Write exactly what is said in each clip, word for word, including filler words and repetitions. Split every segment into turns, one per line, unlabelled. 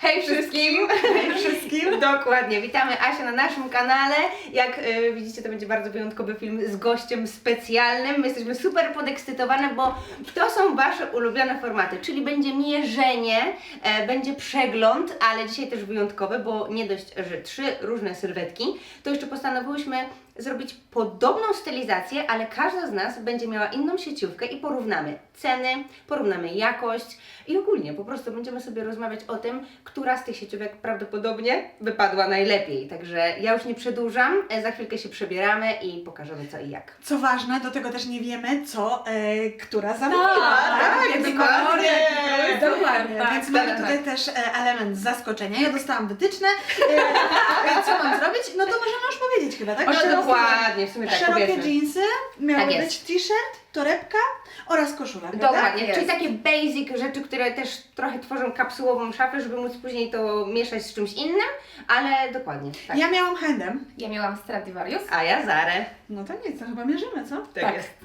Hej wszystkim!
Hej wszystkim!
Dokładnie, witamy Asię na naszym kanale. Jak y, widzicie, to będzie bardzo wyjątkowy film z gościem specjalnym. My jesteśmy super podekscytowane, bo to są Wasze ulubione formaty, czyli będzie mierzenie, e, będzie przegląd, ale dzisiaj też wyjątkowy, bo nie dość, że trzy różne sylwetki, to jeszcze postanowiłyśmy zrobić podobną stylizację, ale każda z nas będzie miała inną sieciówkę i porównamy ceny, porównamy jakość i ogólnie po prostu będziemy sobie rozmawiać o tym, która z tych sieciówek prawdopodobnie wypadła najlepiej. Także ja już nie przedłużam, e, za chwilkę się przebieramy i pokażemy co i jak.
Co ważne, do tego też nie wiemy, co e, która zamówiła.
tak,
Więc
dokładnie.
kolory,
Dokładnie,
dokładnie.
tak,
Więc
tak,
mamy
tak.
tutaj też e, element zaskoczenia. Ja dostałam wytyczne. E, co mam zrobić? No to możemy już powiedzieć chyba, tak?
No
Szerokie-
dokładnie, w sumie tak
Szerokie
powiedzmy.
dżinsy, miały
Tak
być
jest.
t-shirt, torebka oraz koszula, prawda?
Dokładnie,
Jest.
czyli takie basic rzeczy, które też trochę tworzą kapsułową szafę, żeby móc później to mieszać z czymś innym, ale dokładnie, tak.
Ja miałam handem.
Ja miałam Stradivarius.
A ja Zarę.
No to nic, to chyba mierzymy, co?
Tak.
jest.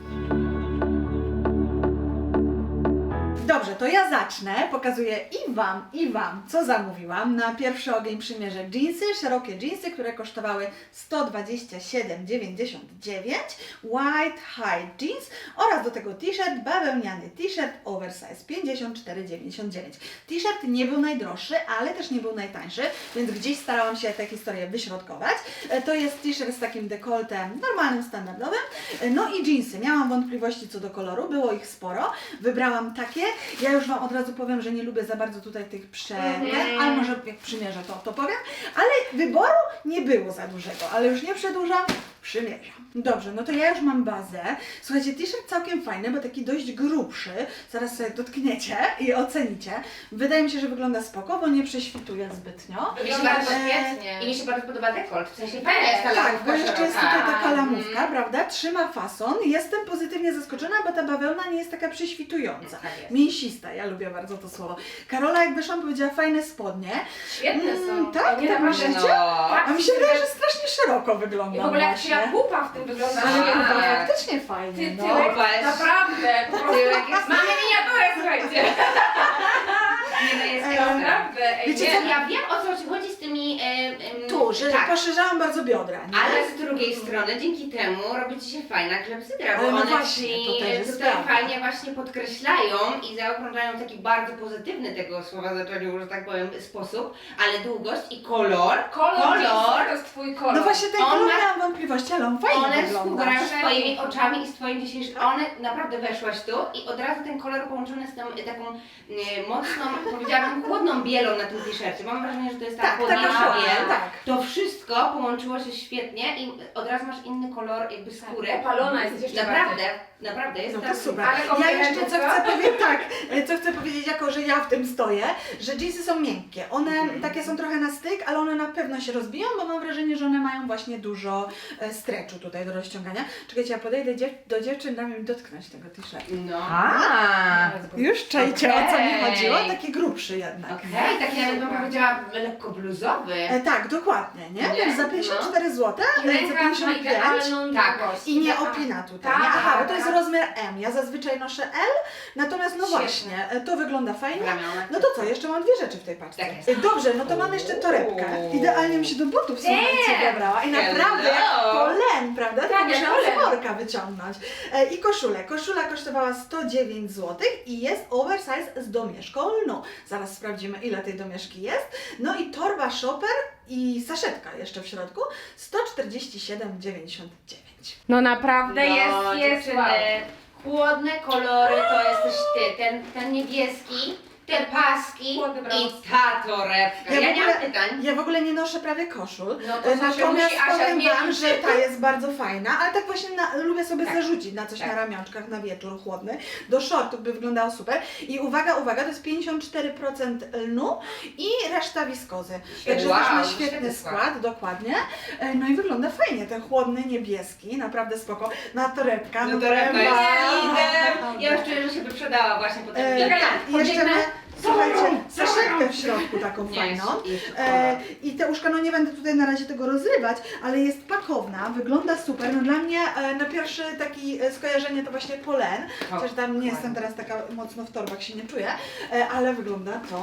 Dobrze, to ja zacznę. Pokazuję i Wam, i Wam, co zamówiłam. Na pierwszy ogień przymierzę dżinsy, szerokie dżinsy, które kosztowały sto dwadzieścia siedem dziewięćdziesiąt dziewięć, white high jeans oraz do tego t-shirt, bawełniany t-shirt oversize pięćdziesiąt cztery dziewięćdziesiąt dziewięć. T-shirt nie był najdroższy, ale też nie był najtańszy, więc gdzieś starałam się tę historię wyśrodkować. E, To jest t-shirt z takim dekoltem normalnym, standardowym. E, No i dżinsy. Miałam wątpliwości co do koloru, było ich sporo. Wybrałam takie. Ja już Wam od razu powiem, że nie lubię za bardzo tutaj tych prze...
Mhm.
ale może jak przymierzę to, to powiem. Ale wyboru nie było za dużego, ale już nie przedłużam, przymierzam. Dobrze, no to ja już mam bazę. Słuchajcie, t-shirt całkiem fajny, bo taki dość grubszy. Zaraz sobie dotkniecie i ocenicie. Wydaje mi się, że wygląda spoko, bo nie prześwituje zbytnio.
Mi się
Wygląda
bardzo,
świetnie.
I mi się bardzo podoba dekolt, w sensie fajna jest ta
Tak,
lamówka
bo jeszcze jest
szeroka.
tutaj taka lamówka,
Mhm.
prawda? Trzyma fason. Jestem pozytywnie zaskoczona, bo ta bawełna nie jest taka prześwitująca.
Tak jest.
Mięsista, ja lubię bardzo to słowo. Karola, jak wyszłam, powiedziała fajne spodnie.
Świetne są.
Mm, tak?
Nie
Tak
naprawdę.
myślicie?
No.
A mi się wydaje, że strasznie szeroko wygląda
I w ogóle jak
właśnie.
się pupa w tym wygląda
Ale
świetnie.
kurwa, faktycznie fajnie,
Ty,
no.
tyłek,
Popatrz.
naprawdę, po prostu.
Tyłek jest-
Mamy miniaturę, słuchajcie.
Nie, no jest
Eee,
ekstra.
Naprawdę, ej,
Wiecie
nie.
co, ja wiem o co ci chodzi z tymi... E, em,
Tu, że
tak.
poszerzałam bardzo biodra, nie?
Ale z drugiej strony, dzięki temu robi Ci się fajna klepsydra, bo
Ale no
one
właśnie,
Ci
to też jest
tutaj
prawda.
fajnie właśnie podkreślają i zaokrąglają taki bardzo pozytywny tego słowa zaczęciu, że tak powiem, sposób, ale długość i kolor,
Kolor,
kolor
jeans, to jest twój kolor.
No właśnie ten
On
kolor
ma-
miałam wątpliwości, ale on fajnie
one
wygląda.
współgrają z
Fajnie.
Twoimi oczami i z Twoim dzisiejszym, one naprawdę weszłaś tu i od razu ten kolor połączony z tą e, taką e, mocną, powiedziałabym, chłodną bielą na tym t-shircie. Mam wrażenie, że to jest ta
Tak,
chłodniejsza
taka chłodna,
biel.
tak.
To wszystko połączyło się świetnie i od razu masz inny kolor jakby skóry.
Opalona jesteś jeszcze
Naprawdę, naprawdę jest
No to
tak.
super.
Ale
Ja
komplementy,
jeszcze co
co?
chcę powiedzieć, tak, e, co chcę powiedzieć, jako że ja w tym stoję, że jeansy są miękkie. One
Mhm.
takie są trochę na styk, ale one na pewno się rozbiją, bo mam wrażenie, że one mają właśnie dużo e, stretchu tutaj do rozciągania. Czekajcie, ja podejdę dziew do dziewczyn, dam im dotknąć tego t-shirtu.
No.
A.
Już czajcie, o co mi
Okej.
chodziło? Taki grubszy jednak.
Okej, taki nawet bym powiedziała lekko bluzowy.
E, tak, dokładnie, nie?
Nie?
Więc za pięćdziesiąt cztery złote,
I
e, za
rękaw ma
pięćdziesiąt pięć.
idealną
Tak.
długość.
I nie
Idea-
opina tutaj,
Tak,
nie? Aha, bo to jest
tak.
rozmiar M. Ja zazwyczaj noszę L, natomiast no
Świetnie.
właśnie, e, to wygląda fajnie.
Ramionach.
No to co, jeszcze mam dwie rzeczy w tej paczce.
Tak jest.
E, Dobrze, no to mam jeszcze torebkę.
Uuu.
Idealnie mi się do butów słuchajcie dobrała. I naprawdę jak
Hello.
polen, prawda?
Tak,
Tak,
jak
musiałam z
polen.
worka wyciągnąć. E, I koszulę. Koszula kosztowała sto dziewięć złotych i jest oversize z domieszką lnu. Zaraz sprawdzimy, ile tej domieszki jest. No i torba shopper i saszetka jeszcze w środku sto czterdzieści siedem dziewięćdziesiąt dziewięć.
No naprawdę
No,
jest, jest
dziewczyny,
wow.
chłodne kolory to jesteś ty, ten, ten niebieski, te paski
Chłodny
i
brąz.
ta torebka.
Ja
Ja,
w
nie
ogóle-
mam pytań.
Ja w ogóle nie noszę prawie koszul,
No to
e,
znaczy
natomiast
musi Asia
powiem Wam,
zmienić.
że ta jest bardzo fajna, ale tak właśnie na, lubię sobie
Tak.
zarzucić na coś
Tak.
na ramionczkach na wieczór chłodny. Do shortów by wyglądało super. I uwaga, uwaga, to jest pięćdziesiąt cztery procent lnu i reszta wiskozy. Także
Wow,
też ma świetny
świetny
skład,
skład.
dokładnie. E, No i wygląda fajnie, ten chłodny niebieski, naprawdę spoko. Na torebka,
No
no
torebka
powiem
jest
wam.
lider. Ja już czuję, że się wyprzedała właśnie po tym
E,
filmie.
tak, i jeszcze
Podbiegnę.
ma, słuchajcie, saszetkę w środku taką
Nie,
fajną.
jeszcze
E,
kolor.
I te uszka, no nie będę tutaj na razie tego rozrywać, ale jest pakowna, wygląda super. No dla mnie e, na pierwsze taki e, skojarzenie to właśnie polen, chociaż tam nie jestem teraz taka mocno w torbach, się nie czuję, e, ale wygląda to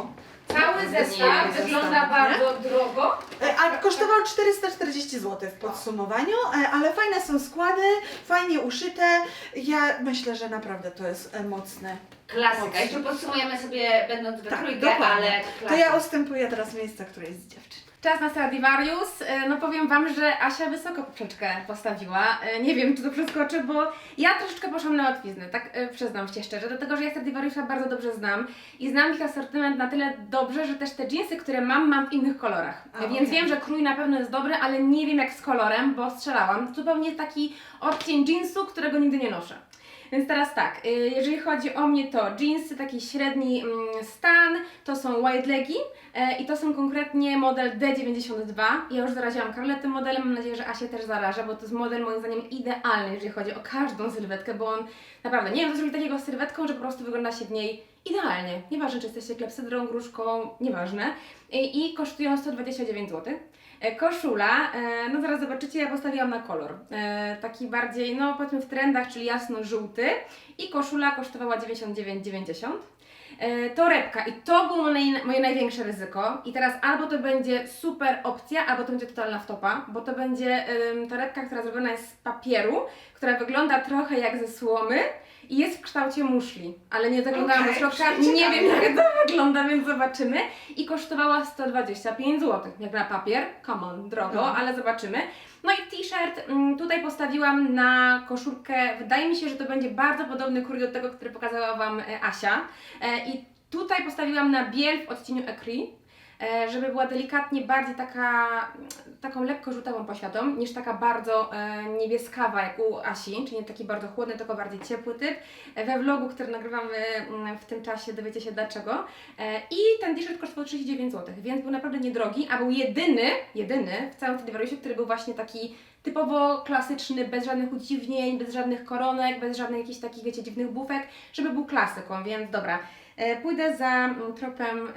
Cały
Nie,
zestaw
nie,
wygląda
zestaw,
bardzo drogo.
E, A kosztował czterysta czterdzieści złotych w podsumowaniu, e, ale fajne są składy, fajnie uszyte. Ja myślę, że naprawdę to jest e, mocne.
Klasyka. Jeszcze podsumujemy sobie, będąc we
Tak,
trójkę,
dokładnie.
ale
To
klasyka.
ja ustępuję teraz miejsca, które jest z dziewczyn.
Czas na Stradivarius. E, No powiem Wam, że Asia wysoko poprzeczkę postawiła. E, Nie wiem, czy to przeskoczy, bo ja troszeczkę poszłam na łatwiznę, tak e, przyznam się szczerze, dlatego że ja Stradivariusa bardzo dobrze znam i znam ich asortyment na tyle dobrze, że też te dżinsy, które mam, mam w innych kolorach.
A,
Więc
okej.
wiem, że krój na pewno jest dobry, ale nie wiem jak z kolorem, bo strzelałam. Zupełnie taki odcień dżinsu, którego nigdy nie noszę. Więc teraz tak, y, jeżeli chodzi o mnie, to jeansy, taki średni mm, stan, to są wide legi e, i to są konkretnie model D dziewięćdziesiąt dwa. Ja już zaraziłam Karolę tym modelem, mam nadzieję, że Asia też zaraża, bo to jest model moim zdaniem idealny, jeżeli chodzi o każdą sylwetkę, bo on naprawdę, nie wiem co zrobić takiego z sylwetką, że po prostu wygląda się w niej idealnie. Nieważne, czy jesteście klepsydrą, gruszką, nieważne. I, i kosztują sto dwadzieścia dziewięć złotych. E, Koszula, e, no zaraz zobaczycie, ja postawiłam na kolor. E, taki bardziej, no powiedzmy w trendach, czyli jasno-żółty. I koszula kosztowała dziewięćdziesiąt dziewięć dziewięćdziesiąt. E, Torebka i to było moje, moje największe ryzyko. I teraz albo to będzie super opcja, albo to będzie totalna wtopa, bo to będzie ym, torebka, która zrobiona jest z papieru, która wygląda trochę jak ze słomy i jest w kształcie muszli, ale nie zaglądałam
Okej,
do środka,
ciekawe.
nie wiem jak to wygląda, więc zobaczymy. I kosztowała sto dwadzieścia pięć złotych, jak na papier, come on, drogo,
No.
ale zobaczymy. No i t-shirt, mm, tutaj postawiłam na koszulkę, wydaje mi się, że to będzie bardzo podobny krój do tego, który pokazała Wam e, Asia. E, I tutaj postawiłam na biel w odcieniu Ecru, e, żeby była delikatnie bardziej taka, taką lekko żółtawą poświatą, niż taka bardzo e, niebieskawa jak u Asi, czyli nie taki bardzo chłodny, tylko bardziej ciepły typ. E, we vlogu, który nagrywamy mm, w tym czasie, dowiecie się dlaczego. E, I ten t-shirt kosztował trzydzieści dziewięć złotych, więc był naprawdę niedrogi, a był jedyny, jedyny w całym Stradivariusie, który był właśnie taki typowo klasyczny, bez żadnych udziwnień, bez żadnych koronek, bez żadnych jakichś takich, wiecie, dziwnych bufek, żeby był klasyką, więc dobra. E, pójdę za mm, tropem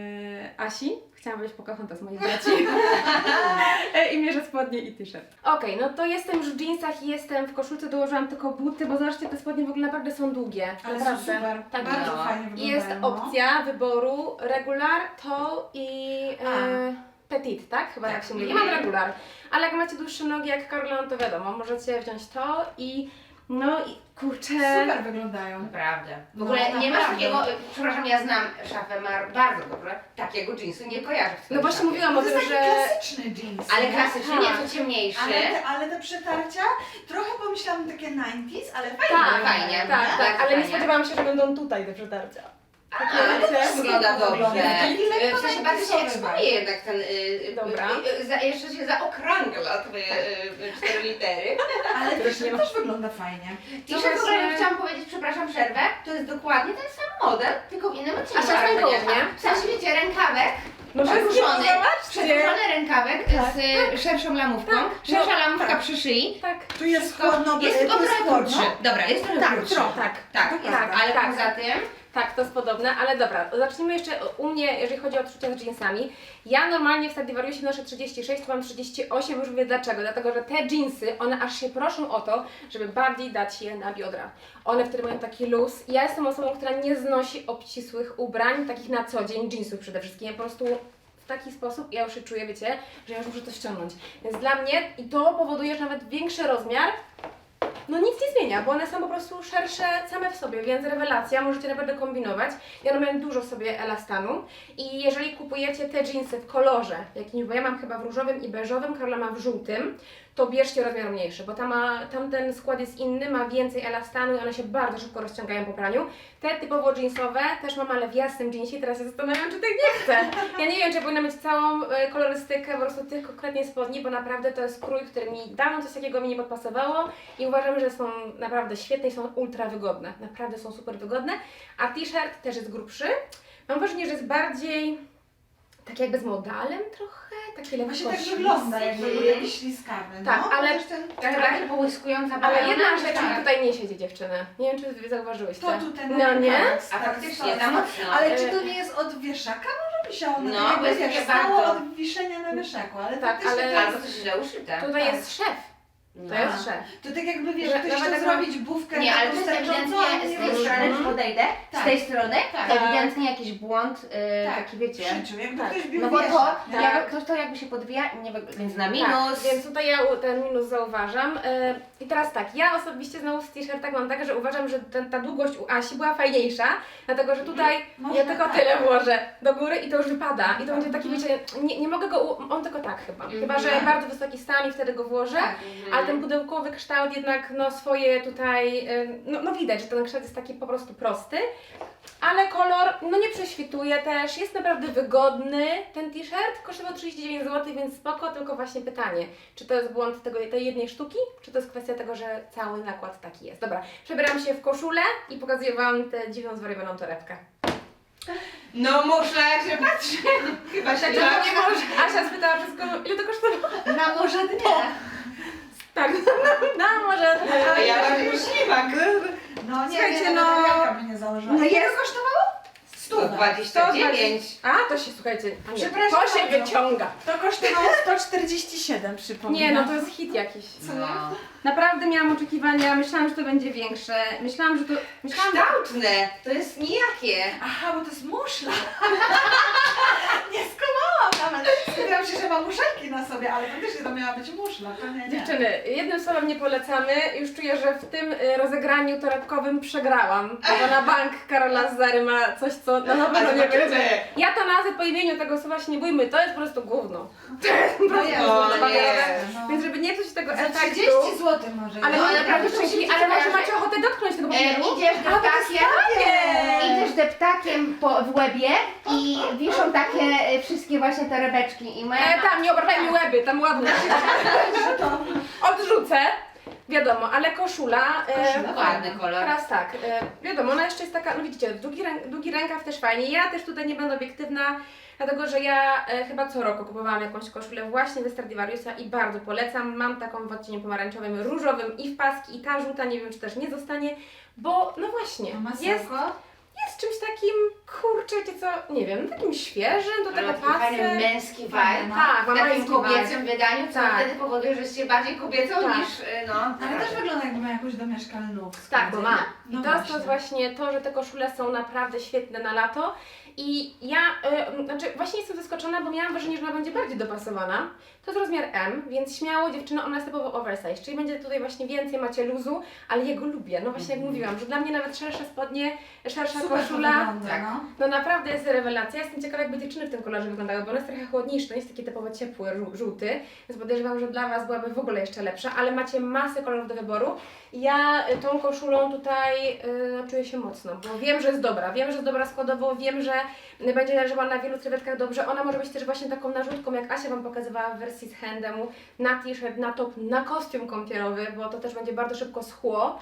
e, Asi. Chciałam być Pocahontas moich braci. e, I mierzę spodnie i t-shirt. Okej, no to jestem już w jeansach i jestem w koszulce, dołożyłam tylko buty, bo zobaczcie, te spodnie w ogóle naprawdę są długie.
Ale
naprawdę.
są super,
Tak,
bardzo
no.
fajnie wyglądają.
Jest
no.
opcja wyboru regular, tall i e, petit, tak? Chyba tak się mówi. Ja mam regular, ale jak macie dłuższe nogi jak Karola, no to wiadomo, możecie wziąć to i no i kurczę.
Super wyglądają.
Naprawdę. W
No,
ogóle nie masz
naprawdę.
takiego, przepraszam, ja znam szafę Mar bardzo dobrze, takiego jeansu nie kojarzę w swojej
No właśnie
szafie.
mówiłam
To
o
jest
tym,
taki
że...
klasyczny jeans.
Ale
nie?
klasyczny,
Tak.
nieco ciemniejszy.
Ale te, ale te przetarcia, trochę pomyślałam takie dziewięćdziesiąte, ale fajnie.
Tak,
wyglądają,
fajnie,
nie?
Tak, tak,
Bardzo
ale nie
fajnie.
spodziewałam się, że będą tutaj te przetarcia.
A, ale to też wygląda dobrze.
Taki lekko
W sensie bardzo się
najpisowy
eksponuje jednak ten, y,
Dobra.
y, y, za, jeszcze się zaokrągla twoje y, cztery litery.
Ale
Których
też,
nie ma.
też wygląda fajnie.
I
No
że w ogóle
właśnie-
chciałam powiedzieć, przepraszam, przerwę, to jest dokładnie ten sam model, tylko w innym odcieniu.
A szafę
ale nie.
koło mnie?
W sensie wiecie, rękawek,
No
przedłużony,
zobaczcie.
przedłużony rękawek z y, szerszą lamówką,
Tak,
szersza
no,
lamówka
tak.
przy szyi.
Tak.
Tu jest chłodno,
Jest tylko
tu jest
trochę
chłodno.
krótszy. Dobra, jest trochę
Tak,
krótszy.
trochę.
Tak.
Tak,
To
jest,
prawda.
ale
Tak.
poza tym...
Tak, to jest podobne, ale dobra, zacznijmy jeszcze u mnie, jeżeli chodzi o odczucia z jeansami. Ja normalnie w Stradivariusie noszę trzydzieści sześć, tu mam trzydzieści osiem, już wiem dlaczego. Dlatego, że te jeansy, one aż się proszą o to, żeby bardziej dać je na biodra. One wtedy mają taki luz. Ja jestem osobą, która nie znosi obcisłych ubrań, takich na co dzień, jeansów przede wszystkim. Ja po prostu w taki sposób ja już się czuję, wiecie, że ja już muszę to ściągnąć. Więc dla mnie, i to powoduje, że nawet większy rozmiar no nic nie zmienia, bo one są po prostu szersze same w sobie, więc rewelacja, możecie naprawdę kombinować. Ja robię dużo sobie elastanu i jeżeli kupujecie te jeansy w kolorze jakimś, bo ja mam chyba w różowym i beżowym, Karola ma w żółtym, to bierzcie rozmiar mniejszy, bo tam ma, tamten skład jest inny, ma więcej elastanu i one się bardzo szybko rozciągają po praniu. Te typowo jeansowe też mam, ale w jasnym jeansie, teraz się zastanawiam, czy tych nie chcę. Ja nie wiem, czy powinna mieć całą e, kolorystykę po prostu tych konkretnie spodni, bo naprawdę to jest krój, który mi dawno coś takiego mi nie podpasowało i uważam, że są naprawdę świetne i są ultra wygodne. Naprawdę są super wygodne. A t-shirt też jest grubszy. Mam wrażenie, że jest bardziej tak jakby z modalem trochę, taki lekko
Właśnie tak
śliski.
wygląda, jakby był jakiś śliskawy.
Tak,
no.
ale-
Chociaż ten,
Trochę bardziej połyskująca
Ale
bawełna,
jedna
czy
rzecz mi
tak?
tutaj nie siedzi, dziewczyny. Nie wiem, czy wy zauważyłyście.
to tu ten
No nie?
A faktycznie, za mocno.
Ale czy to nie jest od wieszaka? Może by się ono
No,
tak
bo
jakby
jest
wiesz,
takie
stało
bardzo-
od wiszenia na wieszaku, ale
Tak,
faktycznie
ale-
to
Albo
jest...
coś źle uszyte.
Tutaj
tak.
jest szef. To jest szef.
To tak jakby wiesz,
Że
ktoś
nawet
chciał
tak mam-
zrobić bufkę
Nie, ale to
taką
jest
sterczącą, a
ewidentnie
nie
z tej
wyszło.
strony, już podejdę, z
Tak.
tej strony,
Tak.
ewidentnie jakiś błąd, yy,
Tak,
taki wiecie.
w życiu, jakby
Tak.
ktoś bił
No bo to,
wieszak, nie?
jak, to, to jakby się podwija, nie, wyg- więc na minus.
Tak, więc tutaj ja u- ten minus zauważam. Yy, I teraz tak, ja osobiście znowu z t-shirtach mam tak, że uważam, że ten, ta długość u Asi była fajniejsza, dlatego że tutaj
Można
ja tylko
tak.
tyle włożę do góry i to już wypada. I to będzie taki, wiecie, nie, nie mogę go, u- on tylko tak chyba. Chyba, że bardzo wysoki stan i wtedy go włożę.
Tak.
Ale ten pudełkowy kształt jednak no swoje tutaj, ym, no, no widać, że ten kształt jest taki po prostu prosty. Ale kolor, no nie prześwituje też, jest naprawdę wygodny ten t-shirt, kosztował trzydzieści dziewięć złotych, więc spoko, tylko właśnie pytanie, czy to jest błąd tego, tej jednej sztuki, czy to jest kwestia tego, że cały nakład taki jest. Dobra, przebieram się w koszulę i pokazuję Wam tę dziwną, zwariowaną torebkę.
No muszę się patrzy. Chyba się
No, nie może. Asia spytała wszystko, ile to kosztowało?
Na morze dnia.
Tak, no może.
A ja mam już ślimak.
No nie,
Słuchajcie,
nie,
no-
no. by nie założyła.
No
Ile
jest-
to kosztowało?
sto dwadzieścia dziewięć.
A, to się, słuchajcie, a nie,
Przepraszam
to się
bardzo.
wyciąga.
To kosztowało sto czterdzieści siedem, przypominam.
Nie, no to jest hit jakiś.
Co nie?
No.
Naprawdę miałam oczekiwania, myślałam, że to będzie większe. Myślałam, że to. Myślałam,
Kształtne, to jest nijakie.
Aha, bo to jest muszla. Nie skumałam nawet. Skupiałam się, że ma muszelki na sobie, ale faktycznie to miała być muszla. To nie, nie.
dziewczyny, jednym słowem nie polecamy. Już czuję, że w tym y, rozegraniu torebkowym przegrałam. Bo na bank Karola z Zary ma coś, co na pewno nie
zobaczymy.
będzie. Ja to nazwę po imieniu tego słowa się nie bójmy, to jest po prostu gówno. To jest po
No
prostu
jest,
gówno
no
papierowe.
jest, no.
Więc żeby nie psuć tego
Za
efektu.
trzydzieści złotych może.
Ale,
No,
ale,
ale
naprawdę
prawda,
szczęśliwie,
muszę
ale
ci
może
pokażę.
macie ochotę dotknąć tego
E,
papieru?
idziesz deptakiem,
Nie.
idziesz deptakiem po, w łebie i wiszą takie e, wszystkie właśnie torebeczki i moja
E, tam, nie obrażaj mi łeby, tam ładne. Odrzucę. Wiadomo, ale koszula. E,
Koszula,
ładny kolor.
Teraz tak, e, wiadomo, ona jeszcze jest taka, no widzicie, długi, rę, długi rękaw też fajnie. Ja też tutaj nie będę obiektywna, dlatego że ja e, chyba co roku kupowałam jakąś koszulę właśnie ze Stradivariusa i bardzo polecam. Mam taką w odcieniu pomarańczowym, różowym i w paski, i ta żółta, nie wiem czy też nie zostanie, bo no właśnie,
A
jest,
masełko?
jest czymś takim, kurczę, wiecie co, nie wiem, takim świeżym, do tego
Taki fajny
pasy.
męski vibe.
Fajny, no.
Tak,
W
ma
takim
męski
kobiecym
vibe.
wydaniu, co
Tak.
wtedy powoduje, że jesteście bardziej kobiecą
Tak.
niż, e, no.
Ale też wygląda jakby ma jakąś domieszkalną look.
Tak, bo ma. I
No
to jest to
właśnie.
właśnie to, że te koszule są naprawdę świetne na lato. I ja, y, znaczy właśnie jestem zaskoczona, bo miałam wrażenie, że ona będzie bardziej dopasowana. To jest rozmiar M, więc śmiało dziewczyno, ona jest typowo oversize, czyli będzie tutaj właśnie więcej, macie luzu, ale ja go lubię. No właśnie jak mówiłam, że dla mnie nawet szersze spodnie, szersza
Super to
koszula,
wygląda,
tak.
no.
no naprawdę jest rewelacja. Jestem ciekawa, jakby dziewczyny w tym kolorze wyglądały, bo on jest trochę chłodniejszy, to nie jest taki typowo ciepły, żół- żółty, więc podejrzewam, że dla Was byłaby w ogóle jeszcze lepsza, ale macie masę kolorów do wyboru. Ja y, tą koszulą tutaj y, czuję się mocno, bo wiem, że jest dobra, wiem, że jest dobra składowo, wiem, że y, będzie leżała na wielu sylwetkach dobrze. Ona może być też właśnie taką narzutką, jak Asia Wam pokazywała w wersji z handemu, na t-shirt, na top, na kostium kąpielowy, bo to też będzie bardzo szybko schło.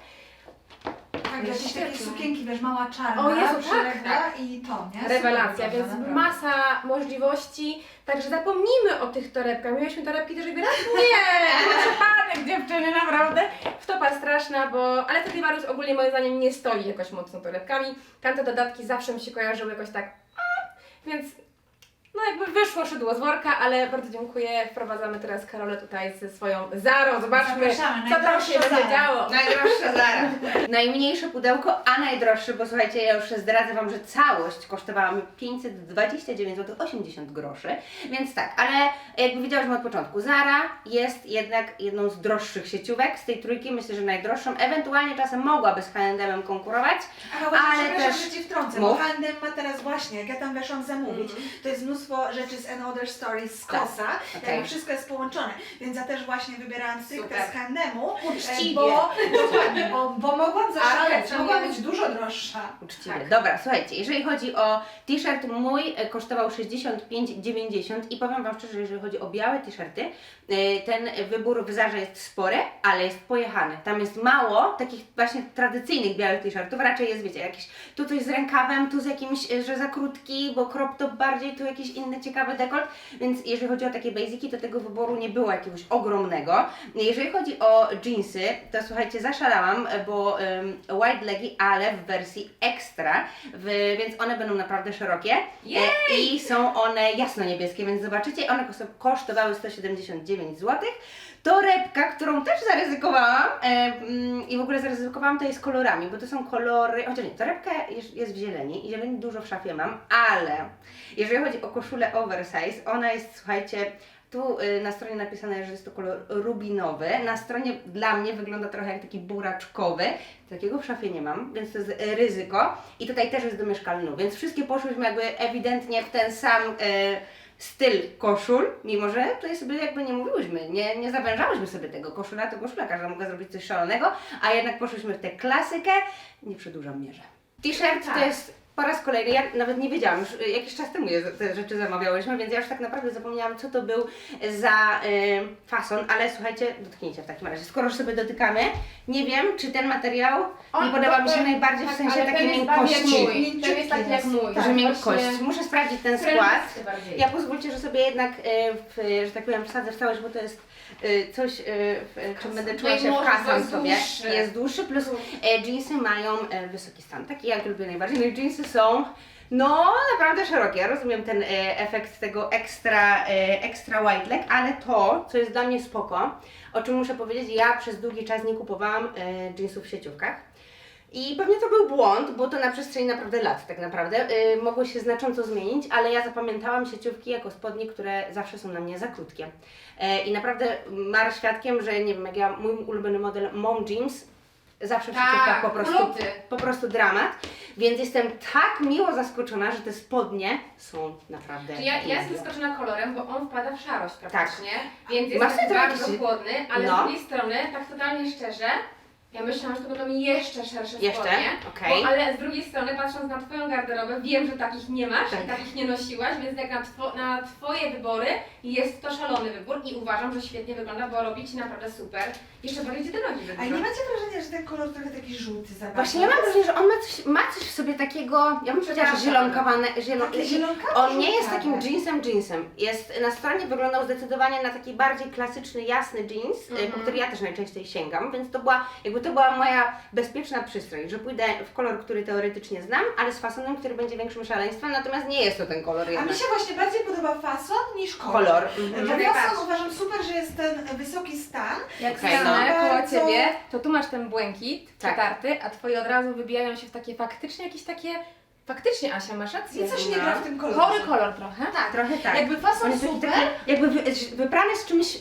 Tak,
Jest
jakieś takie
świetne.
sukienki, wiesz, mała czarna,
O Jezu, tak,
przyległa
tak.
i to, nie?
Rewelacja,
Super
więc
wygląda, naprawdę.
masa możliwości. Także zapomnijmy o tych torebkach. Mieliśmy torebki też i raz nie, to przypadek dziewczyny, naprawdę. Wtopa straszna, bo... Ale Stradivarius ogólnie moim zdaniem nie stoi jakoś mocno torebkami. Tamte dodatki zawsze mi się kojarzyły jakoś tak... A, więc... No jakby wyszło szydło z worka, ale bardzo dziękuję. Wprowadzamy teraz Karolę tutaj ze swoją Zarą. Zobaczmy,
Zapraszamy,
co tam
najdroższa
się będzie
Zara.
działo.
Najdroższa Zara. Najmniejsze pudełko, a najdroższe, bo słuchajcie, ja już zdradzę Wam, że całość kosztowała mi pięćset dwadzieścia dziewięć złotych osiemdziesiąt groszy, więc tak, ale jakby wiedziałyśmy od początku, Zara jest jednak jedną z droższych sieciówek z tej trójki, myślę, że najdroższą, ewentualnie czasem mogłaby z H and M konkurować,
Aha, właśnie,
ale
przepraszam,
też-
że Ci wtrącę,
Mów.
bo H and M ma teraz właśnie, jak ja tam weszłam zamówić, to jest mnóstwo rzeczy z Another Stories z
Tak,
Kosa,
okej.
jakby wszystko jest połączone, więc ja też właśnie wybierałam stricte
Super.
z H and M-u,
Uczciwie.
bo, dokładnie, bo, bo mogłam zaszaleć,
Ale
mogła
nie-
być dużo droższa.
uczciwie.
Tak.
Dobra, słuchajcie, jeżeli chodzi o t-shirt, mój e, kosztował sześćdziesiąt pięć dziewięćdziesiąt i powiem Wam szczerze, jeżeli chodzi o białe t-shirty, e, ten wybór w Zarze jest spory, ale jest pojechany. Tam jest mało takich właśnie tradycyjnych białych t-shirtów, raczej jest, wiecie, jakiś tu coś z rękawem, tu z jakimś, e, że za krótki, bo crop top bardziej, tu jakiś inny ciekawy dekolt, więc jeżeli chodzi o takie basiki, to tego wyboru nie było jakiegoś ogromnego. Jeżeli chodzi o jeansy, to słuchajcie, zaszalałam, bo um, wide legi, ale w wersji ekstra, w, więc one będą naprawdę szerokie e, i są one jasno-niebieskie, więc zobaczycie, one kos- kosztowały sto siedemdziesiąt dziewięć złotych. Torebka, którą też zaryzykowałam e, mm, i w ogóle zaryzykowałam to jest kolorami, bo to są kolory, chociaż nie, torebka jest, jest w zieleni i zieleni dużo w szafie mam, ale jeżeli chodzi o koszulę oversize, ona jest, słuchajcie, tu y, na stronie napisane, że jest to kolor rubinowy, na stronie dla mnie wygląda trochę jak taki buraczkowy, takiego w szafie nie mam, więc to jest y, ryzyko i tutaj też jest do mieszkalnu, więc wszystkie poszłyśmy jakby ewidentnie w ten sam y, styl koszul, mimo że tutaj sobie jakby nie mówiłyśmy, nie, nie zawężałyśmy sobie tego, koszula to koszula, każda mogła zrobić coś szalonego, a jednak poszłyśmy w tę klasykę, nie przedłużam mierze. T-shirt
Tak.
to jest po raz kolejny, ja nawet nie wiedziałam, już y, jakiś czas temu je, te rzeczy zamawiałyśmy, więc ja już tak naprawdę zapomniałam, co to był za y, fason, ale słuchajcie, dotknijcie w takim razie, skoro już sobie dotykamy, nie wiem, czy ten materiał
On-
nie podoba mi się
to-
najbardziej w
tak,
sensie
ale
takiej
ten jest bardziej jak
miękkości.
mój. Ten jest taki jak mój.
Że
tak,
miękkość.
właśnie.
Muszę sprawdzić ten
Krem
skład.
jest bardziej.
Ja pozwólcie, że sobie jednak, y, w, że tak powiem, wsadzę w całość, bo to jest y, coś, y, w czym będę czuła
No i
się
może
wkasam
jest
sobie.
dłuższy.
Jest dłuższy, plus e, jeansy mają e, wysoki stan, taki jak lubię najbardziej. No i jeansy są no naprawdę szerokie. Ja rozumiem ten e, efekt tego ekstra, e, ekstra wide leg, ale to, co jest dla mnie spoko, o czym muszę powiedzieć, ja przez długi czas nie kupowałam e, jeansów w sieciówkach. I pewnie to był błąd, bo to na przestrzeni naprawdę lat tak naprawdę yy, mogło się znacząco zmienić, ale ja zapamiętałam sieciówki jako spodnie, które zawsze są na mnie za krótkie. Yy, I naprawdę mar świadkiem, że nie wiem, jak ja, mój ulubiony model Mom Jeans, zawsze w
Tak,
sieciówkach po prostu,
uloty.
po prostu dramat. Więc jestem tak miło zaskoczona, że te spodnie są naprawdę
Ja, ja jestem
niezłe.
zaskoczona kolorem, bo on wpada w szarość praktycznie, więc
Masz
jest
tutaj
bardzo
jakiś-
chłodny, ale
no.
z drugiej strony, tak totalnie szczerze, ja myślałam, że to będą jeszcze szersze
Jeszcze?
spodnie,
Okej.
bo, ale z drugiej strony, patrząc na Twoją garderobę, wiem, że takich nie masz
Tak.
i takich nie nosiłaś, więc jak na, two, na Twoje wybory jest to szalony wybór i uważam, że świetnie wygląda, bo robi Ci naprawdę super. Jeszcze bardziej Ci te nogi
A
wydłuża.
nie macie wrażenia, że ten kolor trochę taki żółty za
Właśnie ja mam wrażenie, że on ma coś, ma coś w sobie takiego, ja bym powiedziała, że zielonkowane, zielon...
Takie zielonkawe,
On nie jest
żółtawe.
takim jeansem jeansem. Jest, na stronie wyglądał zdecydowanie na taki bardziej klasyczny, jasny jeans,
Mhm.
y, po który ja też najczęściej sięgam, więc to była, jakby to była moja bezpieczna przystroń, że pójdę w kolor, który teoretycznie znam, ale z fasonem, który będzie większym szaleństwem, natomiast nie jest to ten kolor
A
jednak.
mi się właśnie bardziej podoba fason niż kolor.
Kolor.
Bo
Mhm.
Jak
fason
najbardziej.
uważam super, że jest ten wysoki stan.
Jak
Okej,
stanę
no.
koło
Bardzo-
Ciebie, to tu masz ten błękit
Tak.
przetarty, a Twoje od razu wybijają się w takie faktycznie jakieś takie... Faktycznie, Asia, masz rację.
I coś nie
No.
gra w tym kolorze.
Chory kolor trochę.
Tak, trochę tak.
Jakby fason
On jest taki,
super,
taki, jakby wy, wybrany z czymś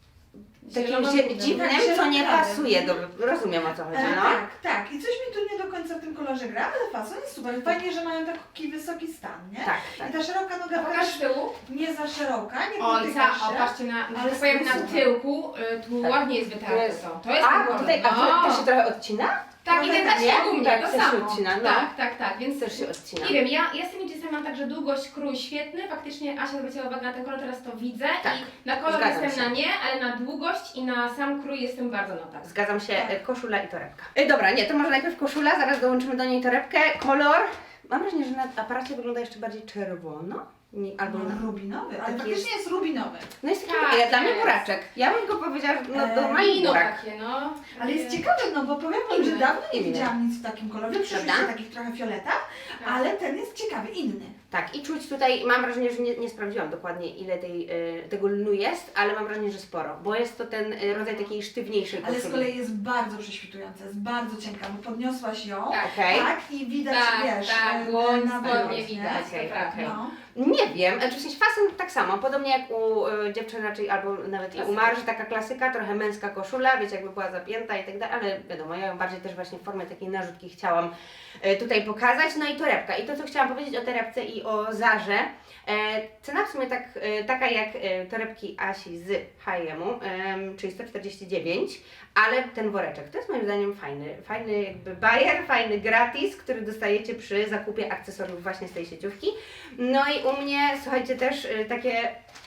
takim
Zielono-
zie- dziwnym,
tak,
co nie
zielonkawym.
pasuje do... Rozumiem, o co chodzi,
E,
no.
Tak, tak. I coś mi tu nie do końca w tym kolorze gra, ale fason jest super. Fajnie, że mają taki wysoki stan, nie?
Tak, tak.
I ta szeroka noga
Pokaż
też
z tyłu.
nie za szeroka, nie
Ojca,
dotyka
o
się.
patrzcie na,
ale
że tak powiem, na
super.
tyłku, y, tu
Tak.
ładnie jest wytarte
Jest.
to. To jest
A,
ten
bo
kolor.
tutaj, a
no.
to, to się trochę odcina?
Tak, i ten
trochę
zasięg
nie?
u mnie,
Tak,
to
też się
samo.
odcina, no.
Tak, tak, tak, więc
Też się odcina.
nie wiem, ja, ja z tymi jeansami mam tak, że długość, krój świetny, faktycznie Asia zwróciła uwagę na ten kolor, teraz to widzę
Tak,
i na kolor
zgadzam
jestem
się.
na nie, ale na długość i na sam krój jestem bardzo na tak.
Zgadzam się,
Tak.
e, koszula i torebka. E, dobra, nie, to może najpierw koszula, zaraz dołączymy do niej torebkę. Kolor, mam wrażenie, że na aparacie wygląda jeszcze bardziej czerwono. Nie, albo na...
No, rubinowy, ale
Taki
faktycznie
jest-
jest rubinowy.
No jest taki,
Tak,
ja, dla mnie
jest.
buraczek. Ja bym go powiedziała, że no,
E,
normalnie
Wino
burak.
takie, no.
Ale jest ciekawy, no bo powiem wam, że
Inny.
dawno nie
Inny.
widziałam nic w takim kolorze. Przyszliście
Prawda?
takich trochę fioletach,
Tak.
ale ten jest ciekawy, inny.
Tak, i czuć tutaj, mam wrażenie, że nie, nie sprawdziłam dokładnie ile tej, e, tego lnu jest, ale mam wrażenie, że sporo, bo jest to ten e, rodzaj takiej sztywniejszej
Ale
koszuli.
z kolei jest bardzo prześwitująca, jest bardzo cienka, bo podniosłaś ją,
Tak.
Okej.
tak, i widać,
Tak,
wiesz,
tak,
e,
dłoń,
na
spodnie
wyrost, nie?
widać,
Okej,
to prawda.
okej.
No.
Nie wiem, znaczy w sensie fason tak samo, podobnie jak u y, dziewczyn raczej, albo nawet i u
Klasyka.
Marzy, taka klasyka, trochę męska koszula, wiecie, jakby była zapięta i tak dalej, ale wiadomo, ja ją bardziej też właśnie w formie takiej narzutki chciałam y, tutaj pokazać. No i torebka. I to, co chciałam powiedzieć o torebce i o Zarze, e, cena w sumie tak, e, taka jak e, torebki Asi z H and M-u, em, czyli sto czterdzieści dziewięć, ale ten woreczek, to jest moim zdaniem fajny, fajny jakby bajer, fajny gratis, który dostajecie przy zakupie akcesoriów właśnie z tej sieciówki. No i u mnie, słuchajcie, też y, takie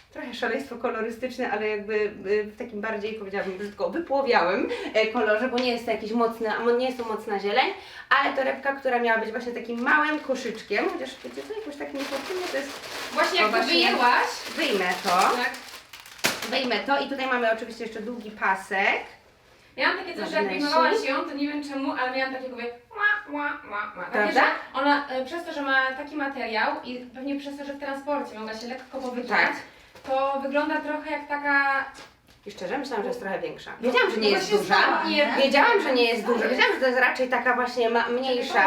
trochę szaleństwo kolorystyczne, ale jakby y, w takim bardziej, powiedziałabym brzydko, wypłowiałym e, kolorze, bo nie jest to jakiś mocny, a mo- nie jest to mocna zieleń, ale torebka, która miała być właśnie takim małym koszyczkiem, chociaż wiecie co, jakoś tak niefortunnie to jest...
Właśnie
O,
jak to
właśnie.
wyjęłaś,
Wyjmę to,
tak?
wyjmę to i tutaj mamy oczywiście jeszcze długi pasek.
Ja mam takie coś, że jak
Wnętrzu.
wyjmowałaś ją, to nie wiem czemu, ale miałam takie mówię, ła, ła, ła, ła. Takie,
Prawda?
że ona e, przez to, że ma taki materiał i pewnie przez to, że w transporcie mogła się lekko powyginać,
Tak.
to wygląda trochę jak taka...
I szczerze myślałam, że jest trochę większa. Wiedziałam, że nie
No
jest
właśnie
duża.
znała,
Nie,
Wiedziałam, że nie jest duża. Wiedziałam, że to jest raczej taka właśnie ma- mniejsza,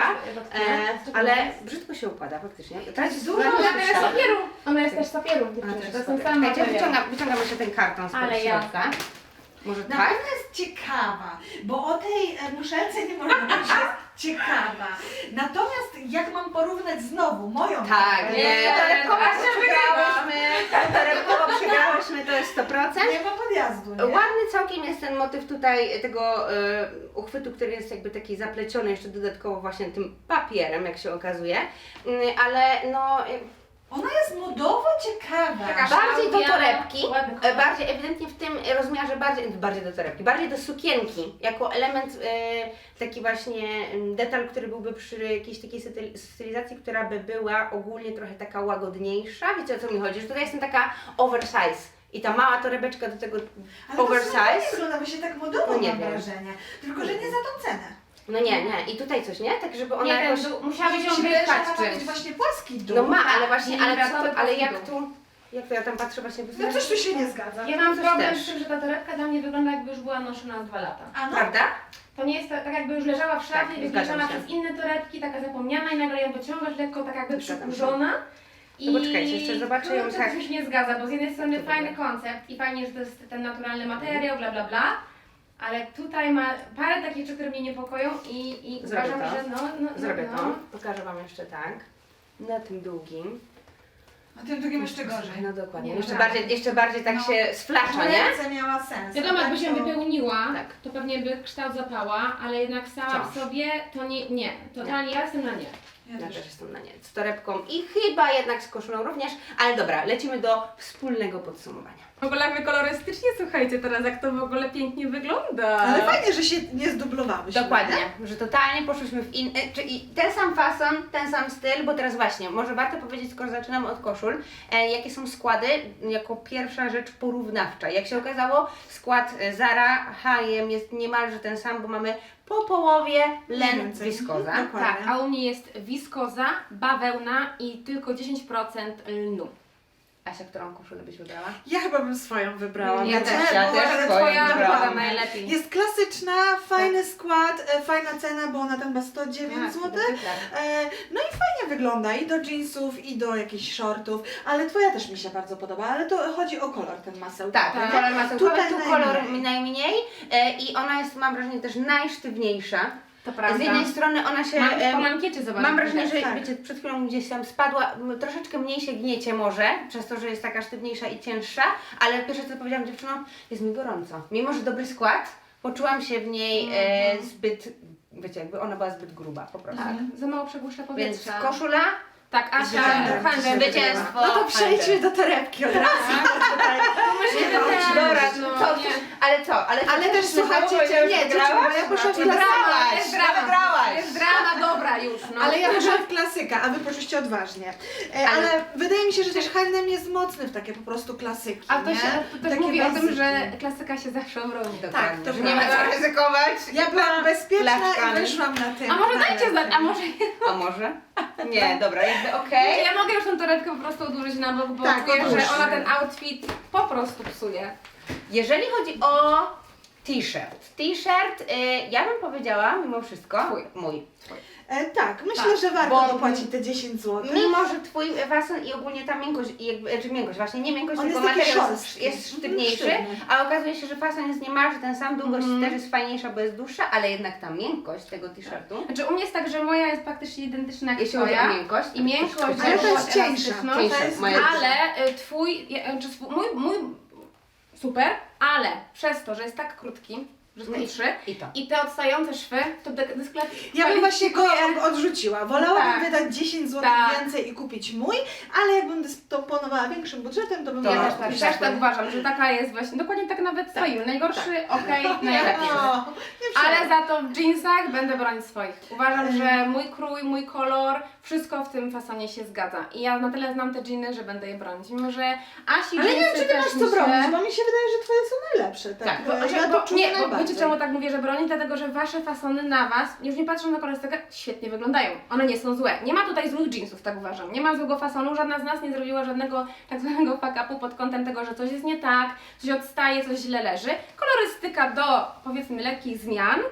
e, ale
ale...
brzydko się układa faktycznie.
To jest dużo,
Ona
Ona
też z papieru. Ona jest też z papieru,
A,
dziewczyny.
też
To
jest
są
super.
same
Czekajcie,
materiały.
wyciągam, wyciągam jeszcze ten karton z
Ale
środka. Może
Na
tak?
pewno jest ciekawa, bo o tej e, muszelce nie można mówić, że jest ciekawa. Natomiast jak mam porównać znowu moją
Tak,
torebkę,
nie,
Nie,
torebkowo
Asia
przegrałyśmy, torebkowo przegrałyśmy, to jest sto procent.
nie ma podjazdu, nie?
Ładny całkiem jest ten motyw tutaj tego e, uchwytu, który jest jakby taki zapleciony jeszcze dodatkowo właśnie tym papierem, jak się okazuje, Mm, ale no e,
Ona jest modowo ciekawa.
Taka
bardziej do
szałwiana,
torebki,
ładny
e,
kolor.
bardziej ewidentnie w tym rozmiarze, bardziej, bardziej do torebki, bardziej do sukienki, jako element, e, taki właśnie mm, detal, który byłby przy jakiejś takiej styl- stylizacji, która by była ogólnie trochę taka łagodniejsza, wiecie o co mi chodzi, że tutaj jestem taka oversize i ta mała torebeczka do tego
Ale to
oversize.
super wygląda, bo się tak modowo
No nie
mam
wiem.
wrażenie. Tylko, że nie za tą cenę.
No nie, nie, i tutaj coś, nie? Tak, żeby ona
Nie, ten
jakoś...
dół, musiałabyś ją
Mi się wydaje, że
wypchać
ona ma być
czymś.
właśnie płaski dół.
No ma, ale
tak,
właśnie,
nie
ale, co
wiadomo,
to, ale
po
jak
prostu.
tu... Jak to ja tam patrzę właśnie...
No coś tu się nie zgadza.
Ja mam
Coś
problem
też.
z tym, że ta torebka dla mnie wygląda jakby już była noszona dwa lata.
A no,
Prawda?
To nie jest tak, tak jakby już leżała w szafie,
Tak,
wywieszona
zgadzam się.
przez inne torebki, taka zapomniana i nagle ją wyciągasz lekko tak jakby
Zgadzam się.
przykurzona.
No poczekajcie, jeszcze zobaczę ją
kurczę,
tak.
to mi się nie zgadza, bo z jednej strony
To
fajny
dobra.
koncept i fajnie, że to jest ten naturalny materiał, bla bla bla, ale tutaj ma parę takich rzeczy, które mnie niepokoją i, i
Zrobię
uważam,
to.
że no, no, no,
Zrobię
no.
to. Pokażę Wam jeszcze tak. Na tym długim.
a tym drugim jeszcze gorzej.
Słuchaj, no dokładnie.
Nie,
Jeszcze
dobra.
bardziej, jeszcze bardziej tak
No.
się sflacza, nie?
Ręce miała sens.
Wiadomo,
a
jakby
tak
się
to-
wypełniła,
Tak.
to pewnie by kształt zapała, ale jednak sama w
Wciąż.
sobie to nie, nie. Totalnie ja jestem na nie.
Ja
Ja
też.
też jestem na nie. Z torebką i chyba jednak z koszulą również. Ale dobra, lecimy do wspólnego podsumowania.
W ogóle jak my kolorystycznie, słuchajcie teraz, jak to w ogóle pięknie wygląda.
Ale fajnie, że się nie zdublowałyśmy.
Dokładnie,
nie?
że totalnie poszłyśmy w in... e, Czyli ten sam fason, ten sam styl, bo teraz właśnie, może warto powiedzieć, skoro zaczynamy od koszul, e, jakie są składy, jako pierwsza rzecz porównawcza. Jak się okazało, skład e, Zara, H and M jest niemalże ten sam, bo mamy po połowie len
Więcej.
wiskoza.
Mhm, dokładnie.
Tak, a u mnie jest wiskoza, bawełna i tylko dziesięć procent lnu.
Asia, którą koszulę byś wybrała?
Ja chyba bym swoją wybrała.
Ja
wiecie,
też, ja
bo-
też
ale
swoją
twoja
wybrałam.
wygląda
Wygląda najlepiej.
Jest klasyczna, fajny skład, e, fajna cena, bo ona tam ma sto dziewięć złotych.
Tak.
E, no i fajnie wygląda i do jeansów, i do jakichś shortów, ale twoja też mi się bardzo podoba, ale to chodzi o kolor ten maseł.
Tak,
Tak.
kolor masełkowy,
Tutaj
tu
najmniej.
kolor najmniej e, i ona jest, mam wrażenie, też najsztywniejsza.
To prawda.
Z jednej strony ona się...
Mam już
em,
po mankiecie zobaczyć.
Mam wrażenie, że
tak.
wiecie, przed chwilą gdzieś tam spadła, m, troszeczkę mniej się gniecie może, przez to, że jest taka sztywniejsza i cięższa, ale pierwsze co powiedziałam dziewczynom, jest mi gorąco. Mimo, że dobry skład, poczułam się w niej e, zbyt, wiecie, jakby ona była zbyt gruba po prostu.
Tak, za mało przegłuszcza
Więc
powietrza.
koszula,
Tak, Asia,
Zwycięstwo.
handel
zwycięstwo.
No to przejdźmy do torebki od razu. Tutaj.
Myślę,
No,
że
dobra,
no,
co,
nie.
ale co, ale,
Ale też słuchajcie, nie, dziewczyny, bo ja poszłam w
Jest drama,
klasyka.
jest drama,
wygrałaś.
jest drama, dobra już, no.
Ale ja poszłam w klasyka, a wy poszliście odważnie. E, ale,
Ale-
wydaje mi się, że też H and M jest mocny w takie po prostu klasyki,
A to,
nie?
się, to też
Takie
mówi o tym,
basicy.
że klasyka się zawsze obroni.
dokładnie,
to
że nie ma co
prawda.
ryzykować.
Ja byłam bezpieczna
Flaszkami.
i wyszłam na tym.
A może
na
dajcie
ręce.
znać, a może
A może? Nie, dobra, jakby okej.
ja mogę już tą torebkę po prostu odłożyć na bok, bo
Tak,
czuję,
odłóż.
że ona ten outfit po prostu psuje.
Jeżeli chodzi o t-shirt. T-shirt, y, ja bym powiedziała mimo wszystko,
Twój.
mój.
E, tak, myślę,
Tak,
że warto
bo-
dopłacić te dziesięć złotych.
Mimo, że twój fason i ogólnie ta miękkość, i jakby, czy miękkość, właśnie nie miękkość,
On
tylko
jest taki
materiał jest,
szorstki.
jest
Mhm,
sztywniejszy,
sztywny.
a okazuje się, że fason jest niemalże ten sam, długość
Mhm.
też jest fajniejsza, bo jest dłuższa, ale jednak ta miękkość tego t-shirtu,
Znaczy u mnie jest tak, że moja jest praktycznie identyczna jak
jeśli chodzi o
twoja.
miękkość,
I miękkość,
Ale to jest
i
cieńsza.
elastyczność,
Cieńsza,
to jest
moja-
ale y, twój, ja- czy swój, mój, mój super, ale przez to, że jest tak krótki, że są trzy.
I to.
I te odstające szwy, to de-
Ja bym właśnie go
dyskwalifikuje.
odrzuciła. Wolałabym
Tak.
wydać dziesięć złotych
Tak.
więcej i kupić mój, ale jakbym dysponowała większym budżetem, to bym
To
Ja
wolała
też, tak,
kupić
też
swój.
tak uważam, że taka jest właśnie, dokładnie tak nawet stoimy. Najgorszy, okej,
Nie,
najlepiej.
no, nie
Ale
przejmuj.
za to w jeansach będę bronić swoich. Uważam, że mój krój, mój kolor, wszystko w tym fasonie się zgadza. I ja na tyle znam te jeany, że będę je bronić. Mimo, że Asi
Ale nie wiem,
jeansy
czy ty masz
też
co
mi się...
bronić, bo mi się wydaje, że twoje są najlepsze. Tak,
Tak,
Bo,
ja
że,
to
bo,
czuję
nie, bo
najbardziej.
wiecie czemu tak mówię, że bronić? Dlatego, że wasze fasony na was, już nie patrzą na kolorystykę, świetnie wyglądają. One nie są złe. Nie ma tutaj złych jeansów, tak uważam. Nie ma złego fasonu, żadna z nas nie zrobiła żadnego tak zwanego fuck-upu pod kątem tego, że coś jest nie tak, coś odstaje, coś źle leży. Kolorystyka do, powiedzmy, lekkich zmian,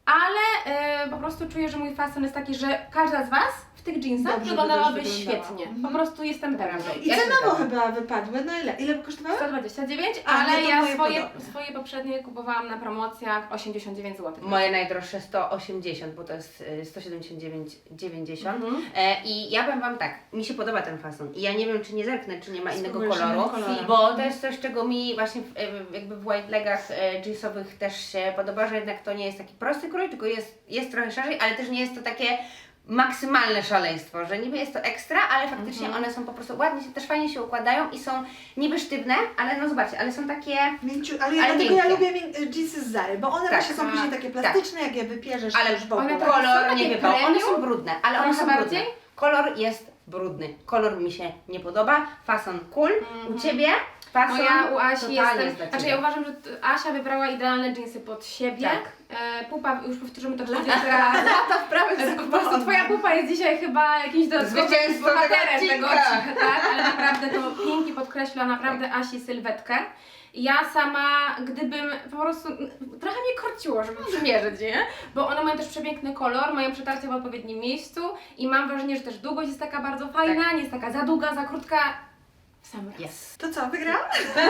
ale yy, po prostu czuję, że mój fason jest taki, że każda z was w tych jeansach
Dobrze by
wyglądałaby
też wyglądała.
świetnie.
Mhm.
Po prostu jestem pewna.
I
Ja się
cenowo
zgadzam.
chyba wypadły. No ile? Ile by kosztowały?
sto dwadzieścia dziewięć,
A,
ale
nie, to
ja
moje
swoje,
podobne.
swoje poprzednie kupowałam na promocjach osiemdziesiąt dziewięć złotych.
Moje najdroższe sto osiemdziesiąt, bo to jest y, sto siedemdziesiąt dziewięć dziewięćdziesiąt.
Mhm.
E, I ja powiem Wam tak, mi się podoba ten fason i ja nie wiem, czy nie zerknę, czy nie ma innego
Spróbujesz
koloru,
innym kolorem.
bo to jest coś, czego mi właśnie w, e, jakby w white legach e, jeansowych też się podoba, że jednak to nie jest taki prosty krój, tylko jest, jest trochę szerzej, ale też nie jest to takie maksymalne szaleństwo, że niby jest to ekstra, ale faktycznie
Mhm.
one są po prostu ładnie, się, też fajnie się układają i są niby sztywne, ale no zobaczcie, ale są takie...
Mięciu, ale ja
Ale
dlatego ja
miękkie.
lubię mię- jeansy z Zary, bo one
Tak,
właśnie są
tak,
później takie
tak.
plastyczne, jak je wypierzesz
Ale
już w ogóle.
one tak- są
kolor
takie
nie wypał, one
premium?
są brudne, ale one
Trochę
są
bardziej?
brudne. Kolor jest brudny, kolor mi się nie podoba, fason cool, u Ciebie fason
No ja u Asi
totalnie
jestem,
jest dla
znaczy
Ciebie.
ja uważam, że t- Asia wybrała idealne jeansy pod siebie.
Tak.
E, pupa, już powtórzymy to trzydzieści razy.
Lata w prawym
E, Po prostu twoja pupa jest dzisiaj chyba jakimś dodatkowym
Zwycięzcą
bohaterem
tego
tego
odcinka.
odcinka, tak? Ale naprawdę to pięknie podkreśla naprawdę Asi sylwetkę. Ja sama, gdybym po prostu, trochę mnie korciło, żeby przymierzyć, nie? Bo one mają też przepiękny kolor, mają przetarcie w odpowiednim miejscu i mam wrażenie, że też długość jest taka bardzo fajna, nie jest taka za długa, za krótka. W sam raz.
Yes.
To co, wygrałam?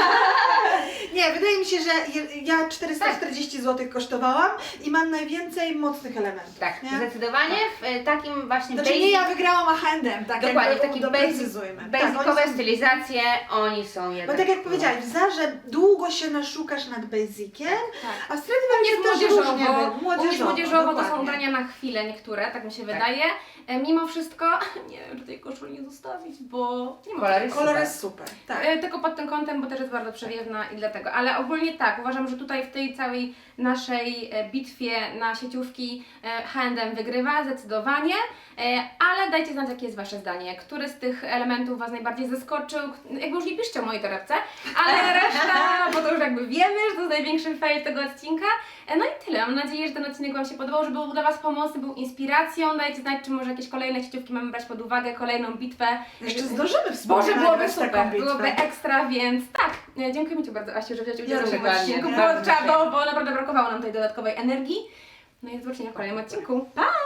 Nie, wydaje mi się, że je- ja czterysta czterdzieści złotych kosztowałam i mam najwięcej mocnych elementów.
Tak,
nie?
zdecydowanie w e, takim właśnie
Znaczy
basic,
nie ja wygrałam, a handem, tak
dokładnie, w
jakby
takim
doprecyzujmy.
basic,
Tak, oni
basicowe
są-
stylizacje, oni są
Bo
jednak...
tak jak powiedziałaś, w Zarze długo się naszukasz nad basiciem,
Tak.
a w Stradivariusie
Jest
też różnie
młodzieżowo,
było.
u mnie jest młodzieżowo, to są
dokładnie.
ubrania na chwilę niektóre, tak mi się wydaje. E, mimo wszystko, nie wiem, czy tej koszuli nie zostawić, bo nie ma.
Kolor jest
Kolor
super.
jest super, tak.
E, tylko pod tym kątem, bo też jest bardzo przewiewna i dlatego. Ale ogólnie tak, uważam, że tutaj w tej całej naszej e, bitwie na sieciówki e, H and M wygrywa zdecydowanie. E, ale dajcie znać, jakie jest Wasze zdanie. Który z tych elementów Was najbardziej zaskoczył? Jakby już nie piszcie o mojej torebce, ale reszta, bo to już jakby wiemy, że to jest największy fail tego odcinka. E, no i tyle. Mam nadzieję, że ten odcinek Wam się podobał, że był dla Was pomocny, był inspiracją. Dajcie znać, czy może jakieś kolejne sieciówki mamy brać pod uwagę, kolejną bitwę.
Jeszcze zdążymy wspólnie
Boże, byłoby
nagrać taką
super,
bitwę.
byłoby ekstra, więc tak. E, Dziękuję Ci bardzo, Asiu, że wziąłeś udział
Ja
w tym
również.
odcinku.
Dokładnie,
Było
bardzo
trzeba, bo naprawdę brakowało nam tej dodatkowej energii. No i do zobaczenia w kolejnym odcinku. Pa!